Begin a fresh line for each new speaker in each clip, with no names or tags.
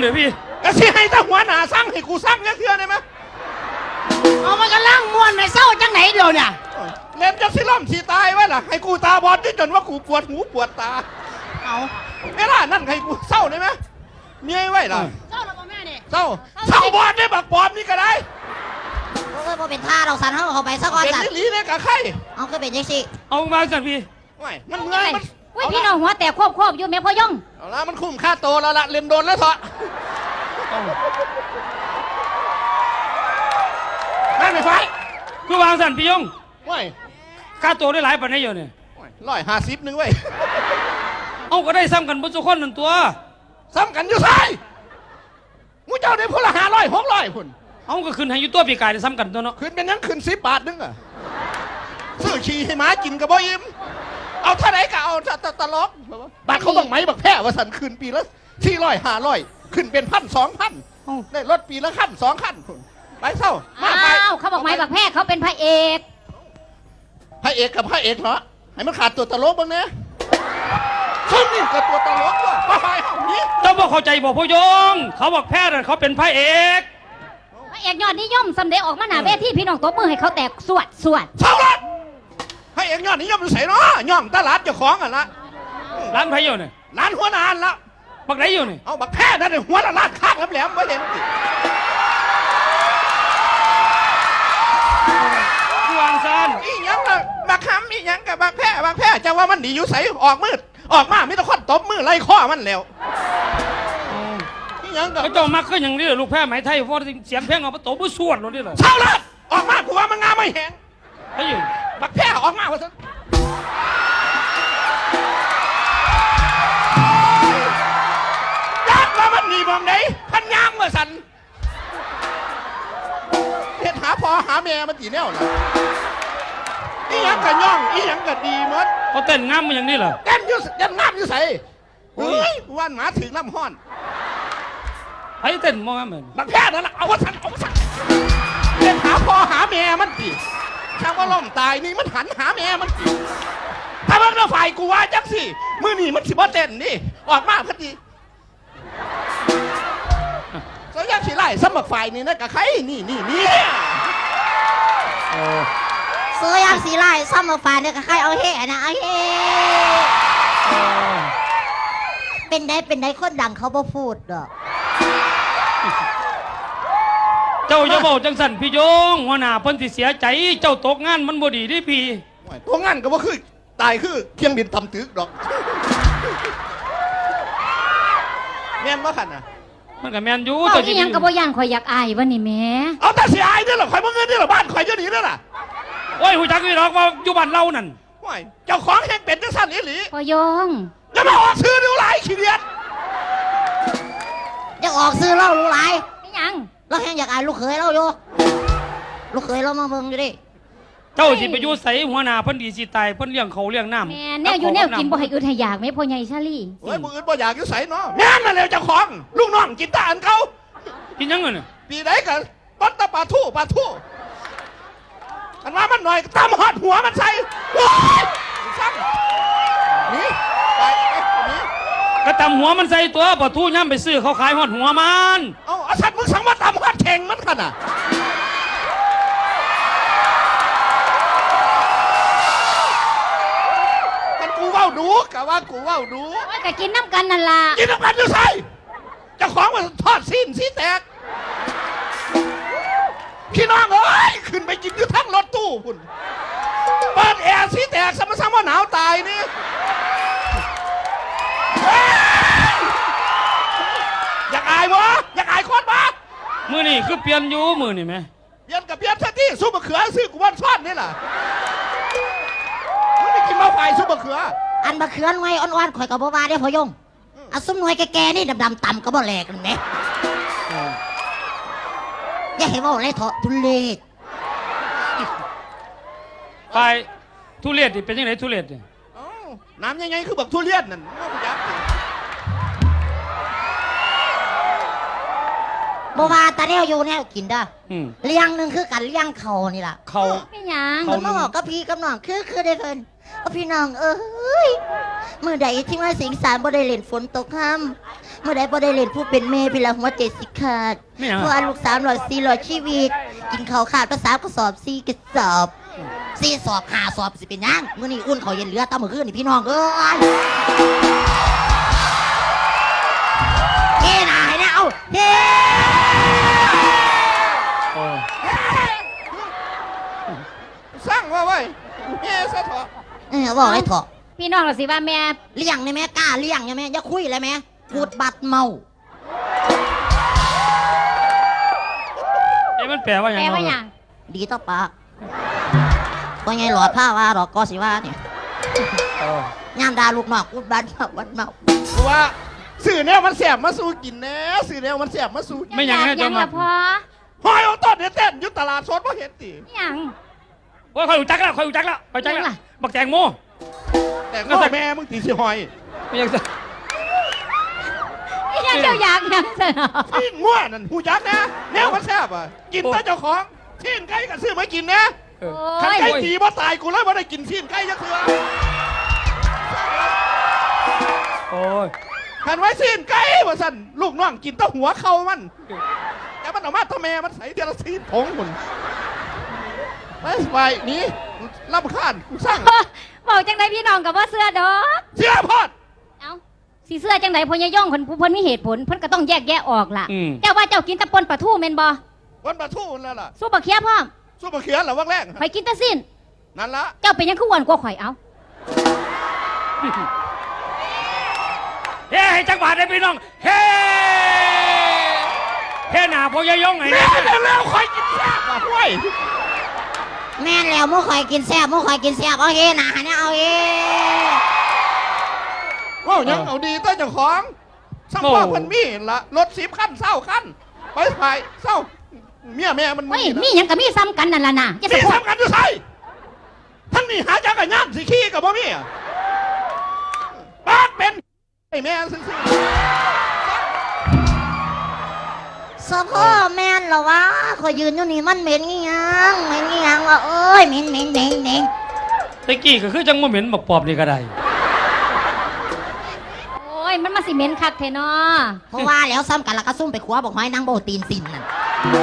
เดี๋ยวพี่
ก็สิให้ตาหัวหน้าสั่งให้กูสั่งเทื่อได้ไหม
เอามันกำลังม่วนในเศร้าจังไหนเดียวเนี่ย
เล่นจะสิล่มสิตายไว้ล่ะให้กูตาบอดที่จนว่ากูปวดหูปวดตา
เอา
ไม่ล่ะนั่นให้กูเศร้าได้ไหมเมียไว้ล่ะ
เศร้าแล้วพ่อแม่เนี่ย
เศร้าบอดได้บักปอมนี่ก็ได้
โอ้ยพอเป็นท่าเราสั่นเขาไปสักวัน
เป็นลิ้นเลยกับใคร
เอาคือเป็นยังสิ
เอามาสั่นพี่
ไม่มันเมื่อยมัน
พี่น้องหัวแต่ควบอยู่แม่พ่อย่อง
เอาละมันคุ้มค่าโตแล้วละเล่นโดนแล้วเถอะนั่นไม่ไฟ
คือวางสั่นพี่ยง
ไม่
ค่าตัวได้หลายปันได้อยู่เนี่ย
150นึงเว้ย
เอาก็ได้ซ้ำกันบนสุขคนหนึ่งตัว
ซ้ำกันอยู่ไสมูเจ้าได้พละ500 600พุ่น
เอาก็ขึ้นให้อยู่ตัวปีกายได้ซ้ำกันตัวเนาะ
ขึ้นเป็นยังขึ้น10 บาทนึงอ่ะซื้อขี่ให้หมากินกับบ่อิ่มเอาเท่าไหร่ก็เอาตลกบัตรเขาบังไหมบักแพ้ว่าสันขึ้นปีละ400 500ขึ้นเป็น1,000 2,000ได้รถปีละคัน2 คันไปเศร้า
อ้าวเขาบอกไหมบักแพ้เขาเป็นพระเอก
กับพระเอกเนาะให้มันขาดตัวตลกบ้างเนี่ยซึ่งนี่ก็ตัวตลกว่ะไปเอานี้
เจ้าบอกเข้าใจบอกพ่อยงเขาบอกแพ้แต่เขาเป็นพระเอก
ยอดนิยมสำเร็จออกมาหน้าเวทีพี่น้องตบมือให้เขาแตกสวด
เศร้าละพระเอกยอดนิยมอยู่ใส่เนาะย่องตลาดเจ้าของอ่ะละ
ร้านไผ่อยู่เนี่ย
ร้านหัวนานละ
บักไหนอยู่เนี่ย
เอาบักแพ้นั่นหัวละลาดข้างแหลมไม่เห็น
วางซัน
อีหยังละบักคำอีหยังกับบักแพ้จะว่ามันดีอยู่ใส่ออกมืดออกมาไม่ต้องคดตบมือไล่ข้อมันแล้วอีหยังกับ
เขาเจ้ามักก็อย่างนี้ลูกแพ้ไหมไทยเพราะเสียงเพลงเอาไปตบมือสวดเลยนี่เลย
เศร้าละออกมากูว่ามันงามไม่แห้ง
ไอ้อยู่
บักแพ้ออกมาว่าซะยักษ์ว่ามันหนีมองไหนพันยางมาสั่นเห็ดหาพอหาแม่มันตีแนวล่ะอีหยังกับย่องอีหยังกับดีมด
เขาเต้นงามมาอย่างนี้เหรอ
เต้นยุ่ยันงามอยู่ใส่เฮ้ยวันหมาถึงน้ำห้อน
ไอ้เต้นมองงามเหมือน
บักแพ้นั่นแหละเอาว่าสั่นเห็ดหาพอหาแม่มันตีถ้าว่าล่มตายนี่มันหันหาแม่มันตีถ้ามันเราฝ่ายกูว่าจังสิมือนี่มันสิบ่เต้นนี่ออกมาพอดีสยังสิไล่สมัครฝ่ายนี่นะกับใครนี่
เสือยังสีไล่ซ้ำมาฝ่ายเนี่ยกับใครเอาเฮ่นะเอาเฮ่เป็นได้คนดังเขาบ่พูดดอก
เจ้าอย่าบอกจังสันพี่ยงหัวหน้าเพิ่นสิเสียใจเจ้าตกงานมันบ่ดีดิพี่
ตกงานก็บ่คือตายคือเคียงบินทำตึกดอกแม่นบ่ขันน่ะ
มันก็แม่นอยู่
แต่ที่ยังกับบ่ย่านข่อยอยากอายวันนี้แม่
เอาแต่เสียอายนี่หรอข่อยบ่เงินนี่หรอบ้านข่อยจะหนีนั่นน่ะ
โอ้ยหูจักนี่หรอกว่าอยู่บ้านเรานั่น
โอ้ยเจ้าของแห่งเป็ดจังสั่นอีหลี
พ่อยง
จะมาออกซื้อดูหลายขี้เดียด
จะออกซื้อเล่ารู้หลาย
ไม่ยัง
เราแห่งอยากอายลูกเขยเราอยู่ลูกเขยเรามาเบิ่งอยู่ดิ
เจ้าสิไปอยู่ใส่หัวหน้าเพิ่นดีสิตายเพิ่นเลี้ยงเขาเลี้ยงน้ำ
แม่แนวอยู่แนวกินบ่ให้อึดให้อยากแม่พ่อใหญ่ชาลี่
โอ้ยบ่อึดบ่อยากอยู่ใส่เนาะแม่นมาแล้วเจ้าของลูกน้องกินตาอันเขา
กินยังไงเนี่ย
ปีไหนกันปัตตะปลาทู่อันว่ามันหน่อยตำหอดหัวมันใส่ซ้ำนี่ไปนี่
ก็ตำหัวมันใส่ตัวปะทู่ย่ำไปซื้อเขาขายหอดหัวมัน
เอาสัตว์มึงสั่งมาตำหอดเข่งมันขนาดกันกูว่าวดูกะว่ากูว่าวดู
ก็กินน้ำกันนั่นล่ะ
กินน้ำกันอยู่ใส่เจ้าของมันทอดสิ้นสีแตกพี่น้องเอ้ยขึ้นไปกินอยู่ทั้งรถตู้คุณเปิดแอร์สีแตกซ้ำๆว่าหนาวตายนี่อยากอายวะอยากอายคนปะ
มือนี่คือเปลี่ยนอยู่มือนี่ไหม
เปลี่ยนกับเปลี่ยนซะที่ซุปมะเขือซื้อกูวันซ่อนนี่แหละมึงไม่กินมะไฟซุปมะเขือ
อันมะเขือหน่วยอ่อนๆข่อยกับบ่ว่าได้พ่อยงเอาซุ้มหน่วยแก่ๆนี่ดำๆต่ำก็บ่แหลกกันไหมอย่าให้ว่าอะไรเถอะทุเรศ
ไปทุเรศดิเป็นยังไงทุเรศเนี่ย
น้ำยังไงคือแบบทุเรียนนั่น
บ่ว่าตาแนวอยู่แนวกินด้เลี้ยงหนึ่งคือกันเลี้ยงเขานี่ล่ะ
เขา
ไม่ยัง
คนมาบอกกับพี่กับน้องคือได้เพิ่นพี่น้องเอ้ยเมื่อใดที่ว่าสิงสารบ่ได้เล่นฝนตกค่ำเมื่อใดบ่ได้เล่นผู้เป็นแม่พี่ละหัวใจสิขาด
ไม่เอา
เพราะว่าลูกสาวหลอด4หลอดชีวิต กินข้าวขาดภาษากระสอบ4กระสอบ4สอบ5สอบสิเป็นหยังมื้อนี้อุ่นข้าวเย็นเหลือตามมื้อคืนนี่พี่น้องเอ้ยเฮ้น่ะให้นะเอาเฮ้
โอ้
สร้างว่าไว้เฮ้ซะเถอะ
บอกให้เถอะ
พี่น้องเราสิว่าแม่
เลี้ยงได้ไหมกล้าเลี้ยงได้ไหมอย่าคุยเลยไหมกูดบัดเมา
เอ้มันแปลว่าหยัง
แปลว่าห
เนะ
ยัง
ดีต่อปากก็ไงหลอดผ้าว่าหรอกก็สิว่าเนี่ย
เออ
ย่ามดาลูกนอกกูดบัดเมาบัดเมา
เพราะว่าสื่อแนวมันแสบมาสู้กินแน่สื่อแนวมันแสบมาสู้กิน
ไม่หยัง
อ
ให้
ยากห
เจ้า
ยัง
มา
ละพอ
หอยเอาต้นเดี๋ยวเต้นอยุตลาดสดเพราะเห็นตี
หยัง
โอ้ยคอยรู้จักแล้วคอยรู้จักแล้วคอยรู้จักแล้วบักแตงโม
แต่ก็แม่มึงตีสิหอย
ไม่ยังจะ
อีหยังเจ้าอยากหยังซะเนาะ
ที่ง่วนั่นหูยักษ์นะแนวมันแสบอ่ะกินแต่เจ้าของที่ไก่กับซื้อมากินนะ
เออ
ขัน
โอ้ย
ไก่ตีบ่ตายกูเลยว่าได้กินที่ไก่ยักษ์เถื่อ
โอ้ย
ขันไว้ที่ไก่ว่าสั่นลูกน้องกินแต้หัวเข่ามันแต่มันออกมาทำแม่มันใส่เดลซีนผงหมุนไปไปหนี่รำคาญกูสร้าง
บอกจังไดพี่น้องกับว่าเสื้อดอก
เสียพอด
เอ้าสีเสื้อจังไดพญายองเพิ่นมีเหตุผลเพิ่นก็ต้องแยกแยะออกล่ะ
อืม
เจ้าว่าเจ้ากินแตะปนปลาทูแม่นบ่
วันประทูนั่นล่ะ
สู้บักเขียพร้อม
สู้มาเขียนเหรอวังแรก
ข่อยกินแตะสิ้น
นั่นละ
เจ้าเป็นหยังคืออ้วนกว่าข่อยเอ้า
เฮ้ให้จังหวัดได้พี่น้องเฮ้เฮ้หนาพอยายงไง
แม่
เนี่ย
เร็วๆคอยกินแซ่บอ่ะห้วย
แม่นแล้วมู่คอยกินแซ่บมู่คอยกินแซ่บเอาเฮนะเนี่ยเอาเฮ
ว้าวยังเอาดีต้นเจ้าของสัมภาษณ์มันมีละรถ10 ขั้นเศร้าขั้นไปไปเศร้าเมียแม่มัน
เฮ้ยมีหยังก็มีซ้ำกันนั่นล่ะนะจะ
มี
สะโพก
สำคัญอยู่ใส่ทั้งนี้หาจักรยานสิขี้กับบ่มีอ่ะปากเป็นไอ้แม่ซื่อ
สะพ่อแม่นเหรอวะคอยยืนอยู่นี่มันเหม็นงี้ยังเหม็นงี้ยังวะเอ้ยเหม็นเหม็นเหม็นเหม็น
ตะกี้ก็คือจังโมเหม็นบักปอบนี่ก็ได้
โอ้ยมันมาสิเหม็นคักแท้เนาะ
เพราะว่าแล้วซ้ำกันแล้วก็ซุ่มไปคว้าบอกให้นางโบตีนสินนั่น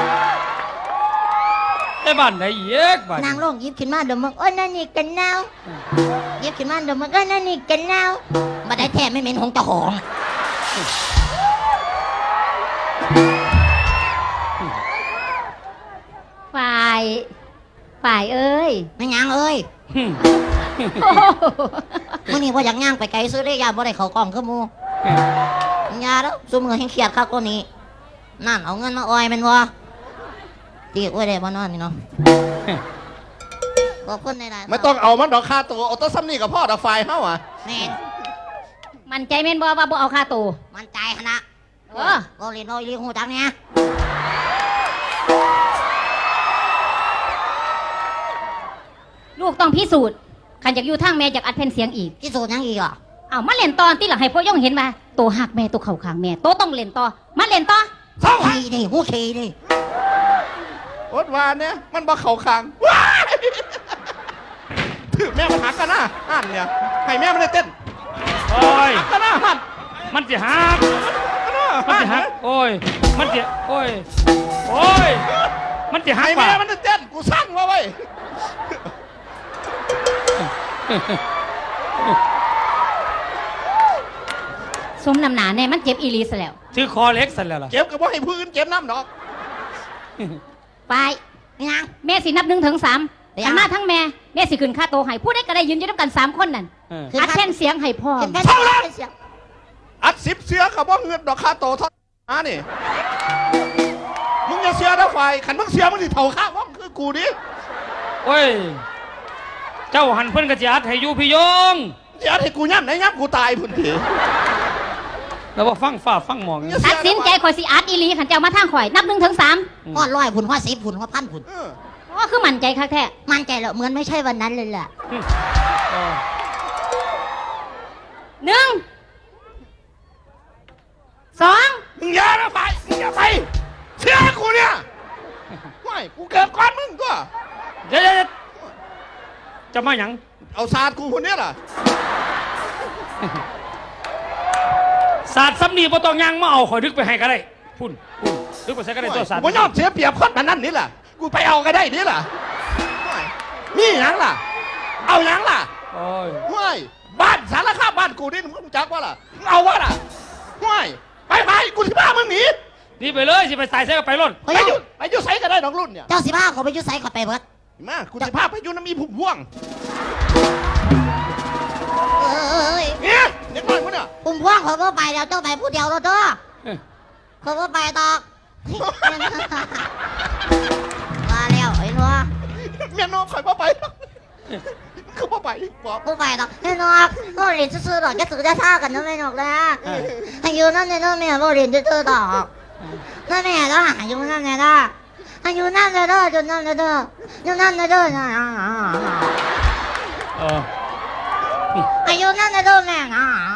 ไอ้บ้านไหนเยกบ้าน
นางลงหยิบขึ้นมาเดี๋ยวมึงโอ้ยนั่นนี่กันนาวหยิบขึ้นมาเดี๋ยวมึงก็นั่นนี่กันนาวมาได้แท้ไม่เหม็นของเจ้าของ
ฝ่ายเอ้ย
ไม่ยังเอ้ย
หึ
โอ้โห
มื่อนี้ว่าอยากย่างไปไกลซื้อได้ยาบ่ได้เขากล้องคือหมูยาแล้วซุมือให้เครียดข้าวก็นี้นั่นเอาเงินมาออยแมันวะตีอ้วยได้บ่นอนนี่เนาะขอบคุณในหลาย
ๆไม่ต้องเอามันดอกค่าตัวเอาแต้นซ้ำนี่กับพ่อดอกไฟเฮ้าอ่ะ
แม่น
มันใจแม่นบ่ว่าบ่เอาค่าตัว
มันใจขนาด
เออ
บ่เรียนน้อยเรียนหูจักเนี่ย
ลูกต้องพิสูจน์ขันจากอยู่ทางแม่จากอัดแผ่นเสียงอีก
พิสูจน์ยังอีกอ่ะ
เอามาเล่นตอนที่หลังให้พ่อย่องเห็นมาโตหักแม่โตเข่าขางแม่โตต้องเล่นต่อมาเล่นต่อ
เศร้า
ขี้นี่หูขี้นี่
อดวานเนี่ยมันบ่เข่าคางว้ายถือแม่มันหักกันนะหันเนี่ยให้แม่มันได้เต้น
โอ้ย
หักกันนะหัน
มันจะหัก
หั
มัน
น
จะหักโอ้ยมันจะโอ้ยโอ้ยมันจะหัก
ให้
ป่ะ
แม่มันได้เต้นกูสั่งว่าไว้
สมน้ำหนาแน่มันเจ็บอีหลีซะแล้ว
ชื่อคอเล็กสันแล้วล่ะ
เจ็บกับว่าให้พื้นเจ็บน้ำดอก
ไป
ไม่ยัง
แม่สินับ1 ถึง 3
เดี๋ยว
อันมาทั้งแม่แม่สิขึ้นค่าโตให้ผู้ใดก็ได้ยืนอยู่ด้วยกัน3 คนนั่น
เออ
อัดแผ่นเสียงให้พ่อ
เป็นแค่เสียง
อัด10 เสือกับว่าเงินดอกค่าโตเท่านี่มึงอย่าเสือนะไฟขันมึงเสือมึงสิเท่าข้าว่องคือกูดิ
โอ้ยเจ้าหันเพิ่นกระจัดให้อยู่พี่ยง
อย่าให้กูย่ำไหนย่ำกูตายพุ่นที
แล้วว่าฟังฟ้าฟังหมอง
ตัดสินใจข่อยสิอัดอีหลีขันเจ้ามาทางข่อยนับ1 ถึง 3
ฮอดร้อยผุนฮอด10ผุนฮอดพันผุน
เพราะว่าคือมั่นใจคักแท้
มั่นใจแล้วเหมือนไม่ใช่วันนั้นเลยแหละ
เออ
1 2
มึงอย่านะไฟมึงอย่าไปเสือกูเนี่ยไม่กูเกิดก่อนมึงตัว
เดี๋ยวเจ้าจะมาหยัง
เอาศาสตร์กูคนเนี้ยล่ะ
ศาสตร์ซ้ำนี่บ่ต้องยังมาเอาข่อยดึกไปให้ก็ได้พุ่นดึกไปใส่ก็ได้ตัวศาสตร์
กูยอมเสียเปรียบคนมันนั่นนี่ล่ะกูไปเอาก็ได้นี่ล่ะนี่หยังล่ะ เอาหยังล่ะ
โอ้ย
ห้วยบ้านสารคามบ้านกูนี่มึงรู้จักว่าล่ะมึงเอาวะล่ะห้วยไปกูสิพามึงหนี
นี่ไปเลยสิไปใส่ใส่ก็ไปรถ
เฮ้ย
ไปอยู่ไสก็ได้น้องรุ่นเนี่ย
เจ้าสิพาเขาไปอยุ่ไสเขาไปเบิด
มากูสิพาไปอยู่น้ำมีผุ่มพ่วง
เอ้ย
เนี่ยเด็กน้อยมึงเนี่ย
ปุ่มพ่วงเขาก็ไปแล้วเจ้าไปผู้เดียวแล้วเด้อ
เอ้ย
เขาก็ไปตอกมาแล้วไอ้นัว
เมียน้องข่อยพ่อไปคือพ่อไปบอก
ผู้ไปตอกไอ้นัวก็เรียนซื่อๆดอกจะถือจะท่ากันนะไม่หนอกนะอายุนั่นเนี่ยนั่นแม่ก็เรียนซื่อๆดอกนั่นแม่ก็อายุนั่นเนี่ยนะอายุนั่นเลยเด้อจนนั่นเลยเด้อจนนั่นเลยเด้อ
เออ
อายุนั่นเลยเด้อแม่นะ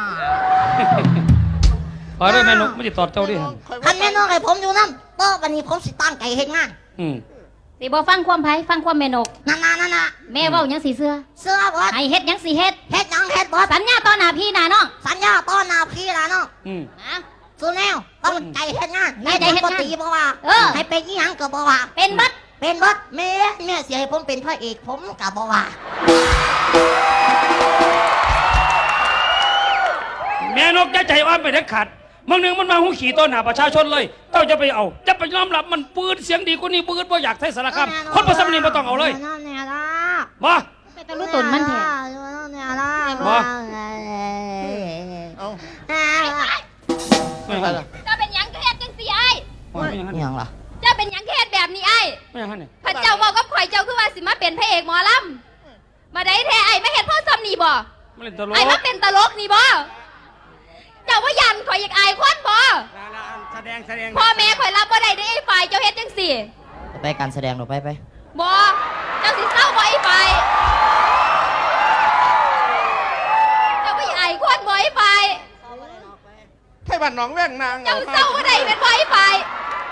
ขอได้แม่นกไม่ติดต่อเจ้าดิฮะ
คันแม่น้องให้ผมอยู่นั่นโต๊ะวันนี้ผมสิตั้งใจเฮ็ดงาน
อืม
สิบ่ฟังความไผฟังความแม่นก
นั่นน่ะ
แม่เว้าหยังสิเสื้อ
เสื้อบอส
ให้เฮ็ดหยังสิเฮ็ด
เฮ็ดหยังเฮ็ดบอส
สัญญาต่อหน้าพี่หน้าน้อง
สัญญาต้อนหน้าพี่ละเนาะ
อืม
นะ
สุดแนวต้องใจเฮ็ดงาน
ตั้งใจเฮ็ดงาน
ปกติบ่ว่า
เออ
ให้เป็นอีหยังก็บ่ว่า
เป็นบัด
เป็นบอสแม่เสียให้ผมเป็นพระเอกผมก็บ่ว่า
แม่นกจะใจอ่อนไปเด็ดขาดบางหนึ่งมันมาหูขี่ต้นหน้าประชาชนเลยเจ้าจะไปเอาจะไปยอมรับมันปืนเสียงดีกว่านี้ปืนบ่อยากใช้สารคามคนประสมนีบ่ต้องเอาเลย
นั่นแน่ล่ะ
มา
ไปตะลุตุนมันแท้
นั่นแน่ล่ะ
บ่
เอา
ไม่หัน
เจ้าเป็นหยังเฮ็ดจังสิไอ้
ไม่หัน
หยังล่ะ
เจ้าเป็นหยังเฮ็ดแบบนี้ไอ้
ไม่หันเนี่ย
พระเจ้าบอกกับข่อยเจ้าคือว่าสิมาเป็นพระเอกหมอลำมาได้แท้ไอ้ไม่เฮ็ดพ่อซ้ำนี่บ่
ไม่เล่นตลก
ไอ้มาเป็นตลกนี่บ่เจ้าว่ายันข่อยอยากอายคนบ่
แสดง
พ่อแม่ข่อยรับบ่ได้ได้ไอ้ฝ่ายเจ้าเฮ็ดจังสิ
ไปการแสดงหนูไป
บ่เจ้าสิเศร้าบ่ไอ้ฝ่ายเจ้าบ่อยากอายคนบ่ไอ้ฝ่าย
ไทยบ้านหนองแว่งนาง
เจ้าเศร้าบ่ได้เป็นบ่ไอ้ฝ่าย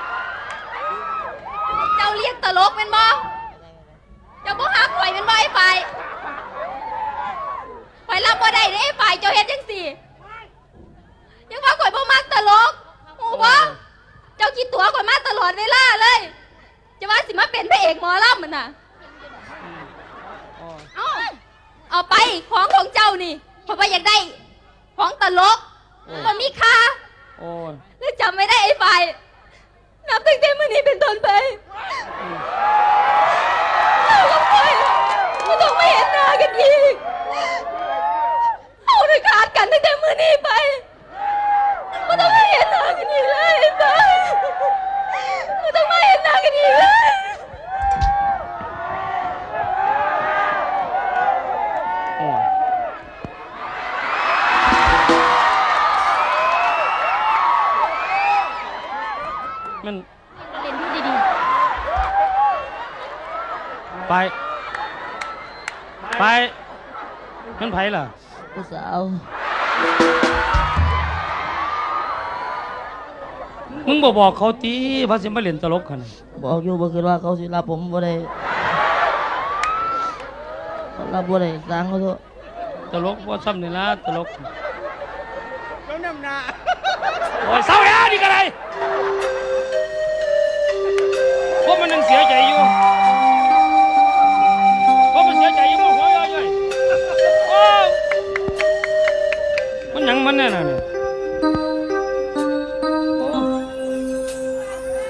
เจ้าเลี้ยงตลกเป็นบ่เจ้าบ่ฮักข่อยเป็นบ่ไอ้ฝ่ายข่อยรับบ่ได้ได้ไอ้ฝ่ายเจ้าเฮ็ดจังสิยังว่าข่อยบ่มักตลกฮู้บ่เจ้าคิดตัวข่อยมาตลอดเวลาเลยจะว่าสิมาเป็นพระเอกหมอลำมันน่ะเอาไปของเจ้านี่เพราะว่าอยากได้ของตลกมันมีค่า
โอ้ย
แล้วจำไม่ได้ไอ้ฝ่ายนับตั้งแต่มื้อนี้เป็นต้นไปเรากับข่อยไม่ต้องไม่เห็นหน้ากันอีกเอาได้ขาดกันตั้งแต่มื้อนี้ไปไม่ต้องไม่เห็นหน้ากันอีกเลยไอ้ฝ่ายไม่ต้องไม่เห็นหน้ากันอีกเลย
โอ้ยมัน
เล่นดูดี
ไปมันไผล่ะ
ผู้สาว
มึงบอกเขาตีว่าสิมาเล่นตลกขนาด
บอกอยู่บ่คือว่าเขาสิรับผมบ่ได้รับบ่ได้สร้างเขาโต
ตลกว่าซ้ำนี่ละตลก
แล้วน้ำหนา
โอ้ยเศร้าแล้วนี่ก็ไรพวกมันยังเสียใจอยู่พวกมันเสียใจอยู่มันหัวย่อยๆโอ้ยมันหยังมันแน่น่ะเนี่ยโอ้ย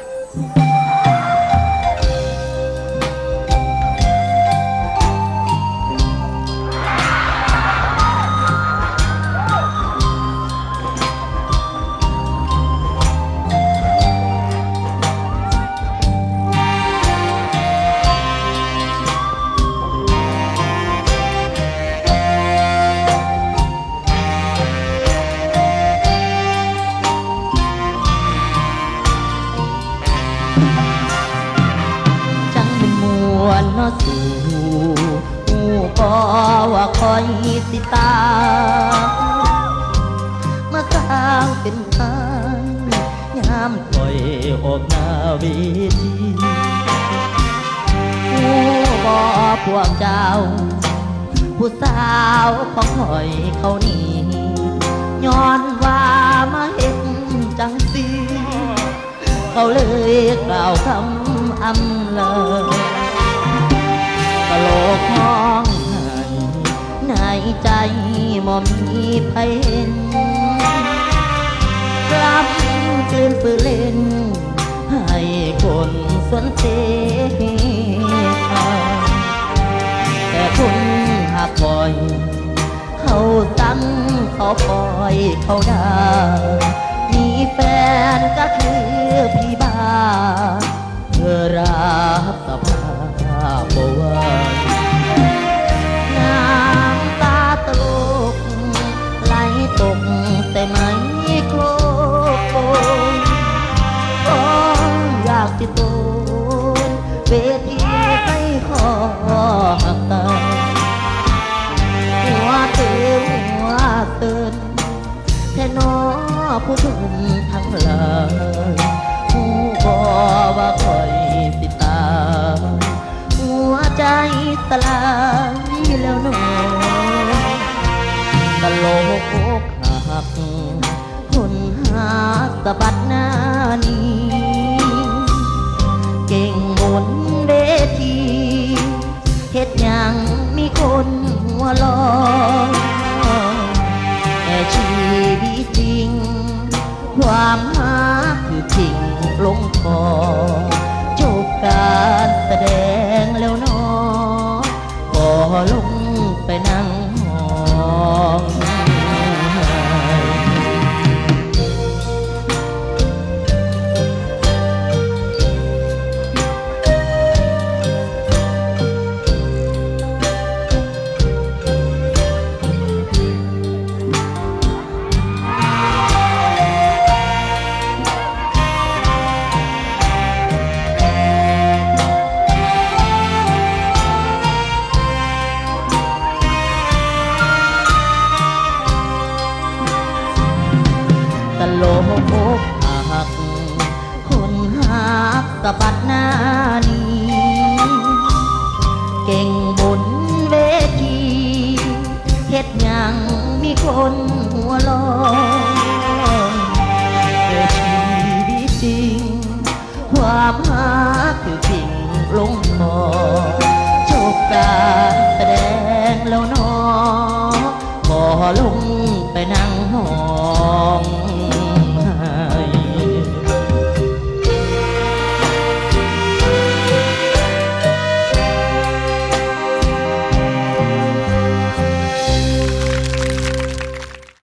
จังเป็นมวลเนาะสู่หูก็ว่าคอยติดตามเมื่อข้างเป็นทางยามคอยออกหน้าเวทีหูบ่พวกเจ้าผู้สาวของคอยเขานี่ย้อนว่ามาเห็นจังสีเขาเลยกล่าวคำอำเลยกะโหลกมองหันในใจมอมีไผเห็นกลับกลืนฝืนเล่นให้คนสวนเทแต่คุณหากปล่อยเขาตั้งเขาปล่อยเขาด่ามีแฟนก็คือพี่บ้าเธอรับสภาพบ่ไหวน้ำตาตกไหลตกแต่ไม่โคโกก็อยากติดตัวเวทีให้ขอหักตาหัวตื่นแท่นอผู้ทุนทั้งหลายผู้บอกว่าคอยติดตามหัวใจสลายแล้วหนอตะโลกอกหักคนหาสะบัดหน้านี้เก่งบนเวทีเฮ็ดหยังมีคนหัวล้อแต่ชีวิตจริงความหาคือทิ้งลงคอจบการแสดงแล้วน้อก็ลงไปนั่งห้องตะโลกอกหักคนหักสะบัดหน้านี้เก่งบนเวทีเฮ็ดหยังมีคนหัวล้อแต่ชีวิตจริงความหักคือทิ้งลงคอจบการแสดงแล้วน้อบ่ลง